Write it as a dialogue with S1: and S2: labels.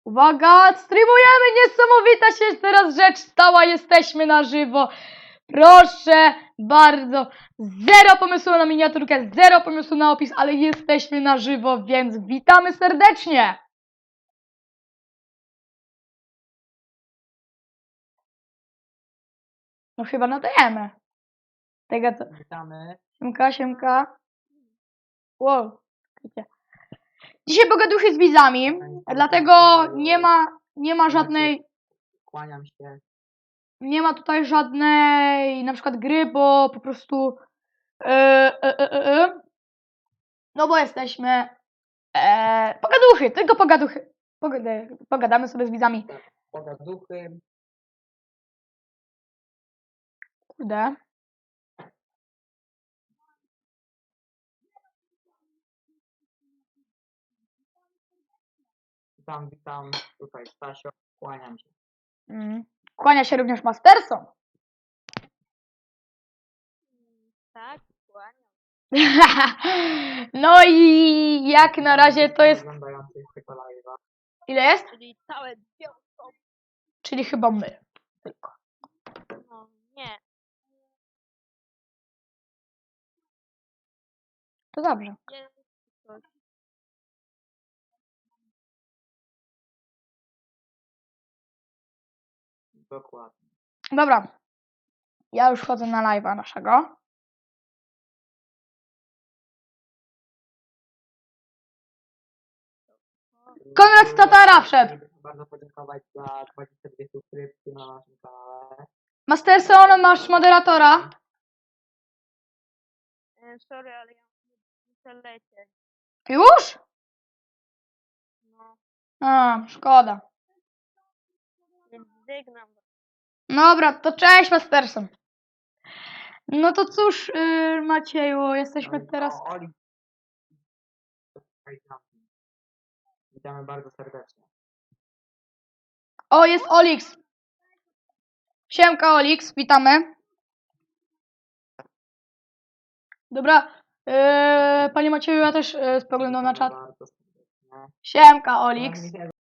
S1: Uwaga, streamujemy, niesamowita się teraz rzecz stała, jesteśmy na żywo. Proszę bardzo, zero pomysłu na miniaturkę, zero pomysłu na opis, ale jesteśmy na żywo, więc witamy serdecznie. No chyba nadajemy. Tego co...
S2: Witamy.
S1: Siemka, siemka. Wow. Dzisiaj pogaduchy z widzami, dlatego nie ma żadnej...
S2: Kłaniam się.
S1: Nie ma tutaj żadnej na przykład gry, bo po prostu no bo jesteśmy pogaduchy, tylko pogaduchy. Pogadamy sobie z widzami.
S2: Pogaduchy.
S1: Kurde.
S2: Witam. Tutaj Stasio. Kłaniam się.
S1: Kłania się również Masterson.
S3: Tak, kłaniam.
S1: No i jak na razie to jest...
S2: Oglądających tego live'a.
S1: Ile jest?
S3: Czyli całe dwie osoby.
S1: Czyli chyba my. Tylko.
S3: No nie.
S1: To dobrze.
S3: Jest coś.
S2: Dokładnie.
S1: Dobra. Ja już wchodzę na live'a naszego. Konrad z Tatara wszedł.
S2: Bardzo podziękować za 22 subskrypcje na naszym kanale.
S1: Masterson, masz moderatora?
S3: Sorry, ale ja muszę lecieć.
S1: Już?
S3: No,
S1: A, szkoda.
S3: więc żegnam.
S1: Dobra, to cześć Masterson. No to cóż, Macieju, jesteśmy teraz...
S2: Oli. Witamy bardzo serdecznie.
S1: O, jest Olix. Siemka Olix, witamy. Dobra, panie Macieju, ja też spoglądam na czat.
S2: Bardzo serdecznie.
S1: Siemka Olix.